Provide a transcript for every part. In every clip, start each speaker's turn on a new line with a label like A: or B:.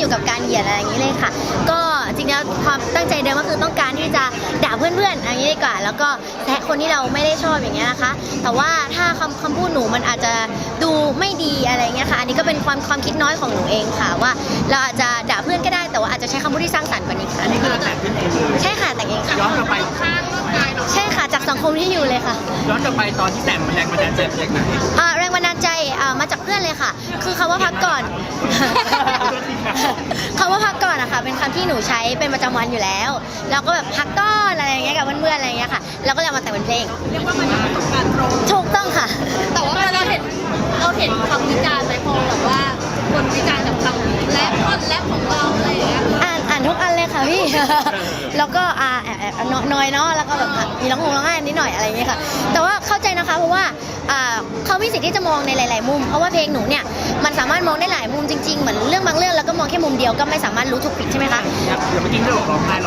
A: อยู่กับการเหยียดอะไรอย่างนี้เลยค่ะก็จริงๆแล้วความตั้งใจเดิมก็คือต้องการที่จะด่าเพื่อนๆอย่างนี้ดีกว่าแล้วก็แซะคนที่เราไม่ได้ชอบอย่างเงี้ยนะคะแต่ว่าถ้าคำพูดหนูมันอาจจะดูไม่ดีอะไรเงี้ยค่ะอันนี้ก็เป็นความคิดน้อยของหนูเองค่ะว่าเราอาจจะด่าเพื่อนก็ได้แต่ว่าอาจจะใช้คำพูดที่สร้างสรรค์กว่านี้ค่ะ
B: อันนี้คือเราแต่งขึ้นเองเลย
A: ใช่ค่ะแต่งเองค่ะ
B: ย้อนกลับไป
A: ใช่ค่ะจากสังคมที่อยู่เลยค่ะ
B: ย้อนกลับไปตอนที่แต่งแรงบันดาลใจมาจากไหน
A: แรงบันดาลใจมาจากเพื่อนเลยค่ะคือคำว่าพักก่อนคำว่าพักก่อนอะค่ะเป็นคำที่หนูใช้เป็นประจำวันอยู่แล้วเราก็แบบพักก่อนอะไรอย่างเงี้ยกับเพื่อนๆอะไรอย่างเงี้ยค่ะแล้วก็เลยมาแต่งเป็นเพลง
C: เรียกว่ามันเป็นประสบการณ์ตรง
A: ถูกต้องค่ะ
C: แต่ว่าเราเห็นคำวิจารณ์ไหมพอแบบว่าคนวิจารณ์กับคำและท่อนและของเราอะไรอย่างเงี้ย
A: อ่านทุกอันเลยค่ะพี่ แล้วก็แอบน้อยเนาะแล้วก็แบบมีร้องไห้นิดหน่อยอะไรอย่างเงี้ยค่ะแต่ว่าเข้าใจนะคะเพราะว่าเขามีสิทธิ์ที่จะมองในหลายๆมุมเพราะว่าเพลงหนูเนี่ยมันสามารถมองได้หลายมุมจริงๆเหมือนเรื่องบางเรื่องแล้วก็มองแค่มุมเดียวก็ไม่สามารถรู้ถูกผิดใช่ไหมคะ
B: เดี๋ยวเมื่อกี้เราร้องไห้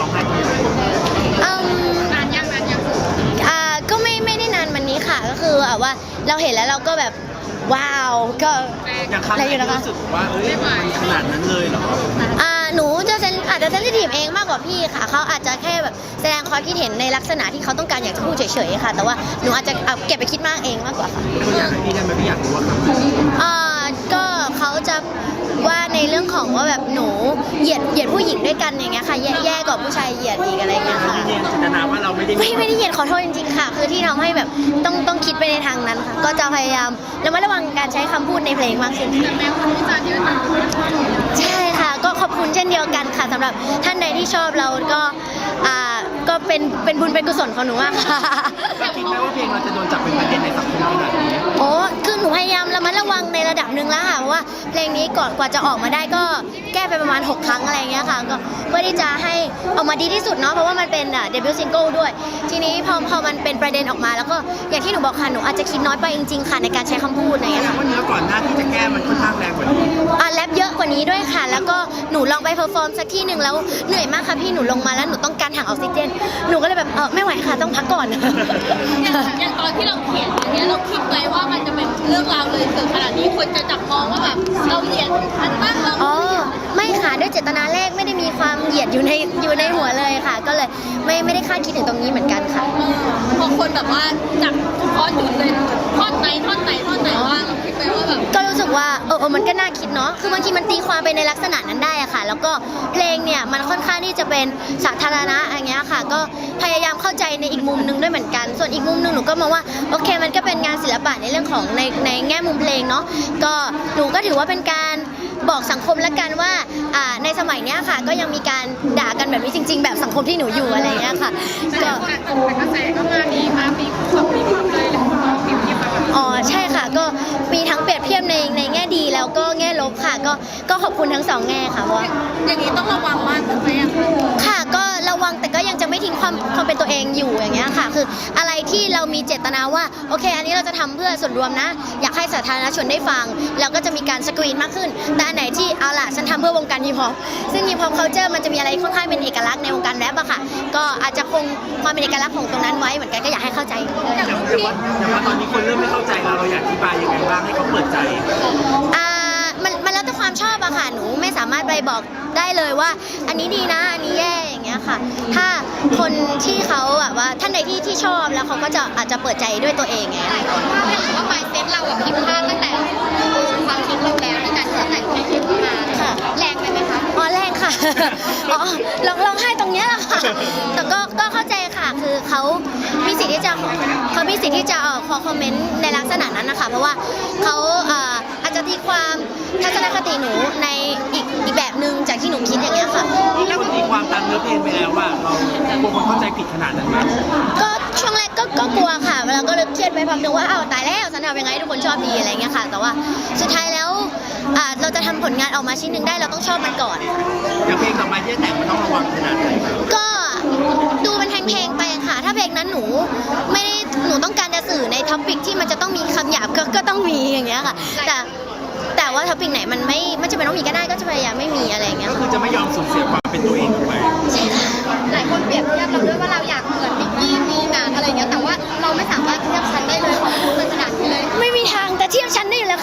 A: นานยังก็ไม่ได้นานวันนี้ค่ะก็คือว่าเราเห็นแล้วเราก็แบบว้าวก็
B: อะไรอยู่นะคะรู้สึกว่ามันขนาดนั้นเลยเหรอ
A: หนูจะอาจจะเซนซิทีฟเองมากกว่าพี่ค่ะเขาอาจจะแค่แบบแสดงความคิดเห็นในลักษณะที่เขาต้องการอยากจะพูดเฉยๆค่ะแต่ว่าหนูอาจจะเก็บไปคิดมากเองมากกว่าค่ะ
B: อยากให้พี่ได้ไหมพี่อยากรู้ว่า
A: ก็เขาจะว่าในเรื่องของว่าแบบหนูเหยียดผู้หญิงด้วยกันอย่างเงี้ยค่ะแย่กว่าผู้ชายเหยียดอีกอะไรเงี้ยค่ะ
B: ไม่ได้จินตนาว่าเราไม่ได้
A: เหยียดขอโทษจริงๆค่ะคือที่ทำให้แบบต้องคิดไปในทางนั้นค่ะก็จะพยายามระวังการใช้คำพูดในเพลงมากขึ้น
C: แต่แม้คำวิจารณ์เยอะ
A: ใช่ค่ะก็ขอบคุณเช่นเดียวกันค่ะสำหรับท่านใดที่ชอบเราก็เป็นบุญเป็นกุศลของหนูมากค่ะ
B: คิดไหมว่าเพลงเราจะโดนจับเป็นประเด็นในสังคมขนาดนี้
A: โอ้คือหนูพยายามระมัดระวังในระดับหนึ่งแล้วค่ะเพราะว่าเพลงนี้ก่อนกว่าจะออกมาได้ก็แก้ไปประมาณ6 ครั้งอะไรเงี้ยค่ะก็เพื่อที่จะให้ออกมาดีที่สุดเนาะเพราะว่ามันเป็นเดบิวต์ซิงเกิลด้วยทีนี้พอมันเป็นประเด็นออกมาแล้วก็อย่างที่หนูบอกค่ะหนูอาจจะคิดน้อยไปจริงๆค่ะในการใช้คำพูดอะไรเงี้ยค่ะ
B: ว่าเนื้อก่อนหน้าที่จะแก้มันค่อนข้างแรงกว่านี้
A: แรปเยอะกว่านี้ด้วยค่ะแล้วก็หนูลองไปเพอร์ฟอร์มสักที่หนึ่งแล้วเหนื่อยมากค่ะพี่หนูลงมาแล้วหนูต้องการถังออกซิเจนหนูก็เลยแบบไม่ไหวค่ะต้องพักก่อน
C: อย่างตอนที่เราเขียนอย่างเงี้ยเราคิดไว้ว่ามันจะเป็นเรื่องราวเลยถึงขนาดนี้คนจะจับมองว่าแบบเราเหยียดมันมากเรา
A: ไม่ค่ะด้วยเจตนาแรกไม่ได้มีความเหยียดอยู่ในหัวเลยค่ะก็เลยไม่ได้คาดคิดถึงตรงนี้เหมือนกันค่ะ
C: พอคนแบบว่าจับข้อจุดเลยท่อนไหนว่าเราคิดไปว่าแบบ
A: ก็รู้สึกว่ามันก็น่าคิดเนาะคือบางทีมันตีความไปในลักษณะนั้นได้อะค่ะแล้วก็เพลงเนี่ยมันค่อนข้างที่จะเป็นสาธารณะอย่างเงี้ยค่ะก็พยายามเข้าใจในอีกมุมนึงด้วยเหมือนกันส่วนอีกมุมนึงหนูก็มองว่าโอเคมันก็เป็นงานศิลปะในเรื่องของในแง่มุมเพลงเนาะก็หนูก็ถือว่าเป็นการบอกสังคมละกันว่าในสมัยเนี้ยค่ะก็ยังมีการด่ากันแบบนี้จริงๆแบบสังคมที่หนูอยู่อะไรเงี้ยค่ะ
C: ก็กระแสก็มาดีมาปี2 ปีเลย
A: ใช่ค่ะก็มีทั้งเปรียบเทียบในแง่ดีแล้วก็แง่ลบค่ะก็ขอบคุณทั้ง2 แง่ค่ะว่า
C: อย่างนี้ต้องระวังมากขึ้นไหม
A: ค่ะก็ระวังแต่ก็ยังจะไม่ทิ้งความเป็นตัวเองอยู่อย่างเงี้ยค่ะคืออะไรที่เรามีเจตนาว่าโอเคอันนี้เราจะทำเพื่อส่วนรวมนะอยากให้สาธารณชนได้ฟังเราก็จะมีการสกรีนมากขึ้นแต่อันไหนที่เอาล่ะฉันทำเพื่อวงการฮิปฮอปซึ่งฮิปฮอปคัลเจอร์มันจะมีอะไรค่อนข้างเป็นเอกลักษณ์ในวงการแรปอะค่ะก็อาจจะคงความเป็นเอกลักษณ์ของตรงนั้นไว้เหมือนกันก็อยากให้เข้าใจ
B: แต่ว่าตอนนี้คนเริ่มไม่เข้าใจเราอยากอธิบายยังไงบ้างให้เขาเปิดใจ
A: มันแล้วแต่ความชอบอะค่ะหนูไม่สามารถไปบอกได้เลยว่าอันนี้ดีนะอันนี้แย่อย่างเงี้ยค่ะถ้าคนที่เขาแบบว่าท่านใดที่ชอบแล้วเขาก็จะอาจจะเปิดใจด้วยตัวเองไง
C: ว่าหมายเซตเราแบบผิดพลาดตั้งแต่ความคิดเราแล้วตั้งแต่แต่งเพลงขึ้นมาแรงไหมคะ
A: แรงค่ะลองให้ตรงเนี้ยแหละค่ะแต่ก็เข้าใจค่ะคือเขามีสิทธิ์ที่จะคอมเมนต์ในลักษณะนั้นนะคะเพราะว่าเขาอาจจะตีความทัศนคติหนูในอีกแบบนึงจากที่หนูคิดอย่างเงี้ยค่ะ
B: แล้วคนตีความตามเนื้อเพลงไปแล้วว่าเรากลัวคนเข้าใจผิดขนาดนั้นไหม
A: ก็ช่วงแรกก็กลัวค่ะแล้วก็เลยเครียดไปพักนึงว่าตายแล้วฉันทำยังไงทุกคนชอบดีอะไรเงี้ยค่ะแต่ว่าสุดท้ายแล้วเราจะทำผลงานออกมาชิ้นหนึ่งได้เราต้องชอบมันก่อน
B: อย่างเพลงต่อไปที่จะแต่งมันต้องระวังขนาดไหน
A: ก็ดูเป็นเพลงไปค่ะถ้าเพลงนั้นหนูต้องการจะสื่อในท็อปิกที่มันจะต้องมีคำหยาบก็ต้องมีอย่างเงี้ยค่ะแต่ว่าท็อปิกไหนมันไม่จำเป็นต้องมีก็ได้ก็จะพยายามไม่มีอะไรอย่างเงี้ย
B: คือจะไม่ยอมสูญเสียความเป็นตัวเองไป
A: ใช่ค่ะ
C: หลายคนเปรียบเทียบเราด้วยว่าเราอยากเหมือนมิกกี้มีหนังอะไรเงี้ยแต่ว่าเราไม่สามารถเทียบชั้นได้เลยของคุณขนาดนี้เลย
A: ไม่มีทางแต่เทียบชั้นได้อยู่แล้วค่ะเห็นด้วย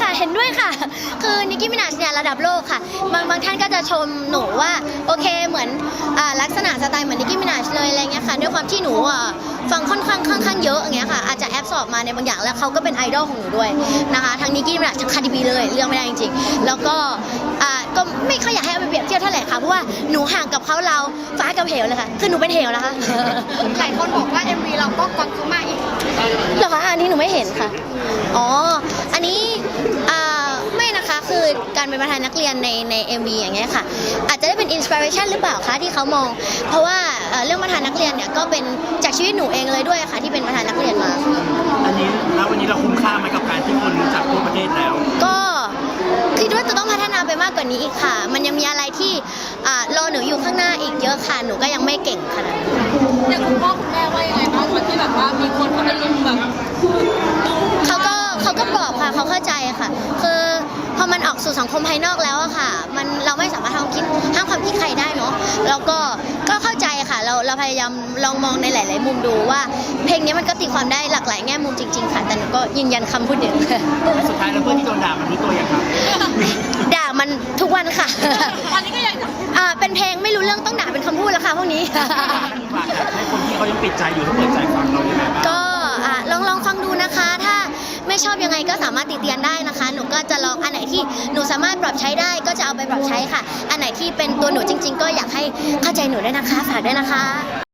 A: ไม่ค่ะ คือนิกกี้มินาชเนี่ยระดับโลกค่ะบางท่านก็จะชมหนูว่าโอเคเหมือนลักษณะสไตล์เหมือนนิกกี้มินาชเลยอะไรเงี้ยค่ะด้วยความที่หนูฟังค่อนข้างเยอะอย่างเงี้ยค่ะอาจจะแอบสอบมาในบางอย่างแล้วเขาก็เป็นไอดอลของหนูด้วยนะคะทั้งนิกกี้มินาชทั้งคาร์ดิบีเลยเลือกไม่ได้จริงๆแล้วก็ก็ไม่ค่อยอยากให้เอาไปเปรียบเทียบเท่าไหร่ค่ะเพราะว่าหนูห่างกับเขาเราฟ้ากับเหวเลยค่ะคือหนูเป็นเหวนะคะ
D: หลายคนบอกว่า MV เราก็กวางเขามาอีก
A: เหรอคะอันนี้หนูไม่เห็นค่ะอ๋ออันนี้ไม่นะคะคือการเป็นประธานนักเรียนใน MV อย่างเงี้ยค่ะอาจจะได้เป็นอินสปิเรชันหรือเปล่าคะที่เขามองเพราะว่าเรื่องประธานนักเรียนเนี่ยก็เป็นจากชีวิตหนูเองเลยด้วยค่ะที่เป็นประธานนักเรียนมา
B: อันนี้แล้ววันนี้เราคุ้มค่าไหมกับการที่คนรู้จักทั่วประเทศแล้ว
A: ก็คิดว่าจะต้องพัฒนาไปมากกว่านี้อีกค่ะ มันยังมีอะไรที่รอหนูอยู่ข้างหน้าอีกเยอะค่ะหนูก็ยังไม่เก่งขนาดนั้น
C: อย่างคุณพ่อคุณแม่ว่ายังไงบ้างตอนที่แบบว่ามีคนเขาเป็นลุงแบบ
A: เขาก็บอกค่ะเขาเข้าใจค่ะคือพอมันออกสู่สังคมภายนอกแล้วอะค่ะเราไม่สามารถห้ามความคิดใครได้เนาะแล้วก็เข้าใจค่ะเราพยายามลองมองในหลาย ๆ มุมดูว่าเพลงนี้มันก็ตีความได้หลากหลายแง่มุมจริง ๆ ค่ะแต่หนูก็ยืนยันคำพูดเดิมค่ะ
B: สุดท้ายแล้วเพื่อนที่โดนด่ามันรู้ตัวยังครับ
A: ด่ามันทุกวันค่ะ
C: ตอนนี้ก็ยัง
A: เป็นเพลงไม่รู้เรื่องต้องด่าเป็นคำพูดแล้วค่ะพวกนี้
B: ฝากให้คนที่เขายังปิดใจอยู่เขาเปิดใจฟังเรายังไงบ้าง
A: ก็ลองฟังดูนะคะ ถ้าไม่ชอบยังไงก็สามารถติเตียนได้นะคะ หนูก็จะลองอันไหนที่หนูสามารถปรับใช้ได้ก็จะเอาไปปรับใช้ค่ะ อันไหนที่เป็นตัวหนูจริง ๆ ก็อยากให้เข้าใจหนูด้วยนะคะฝากด้วยนะคะ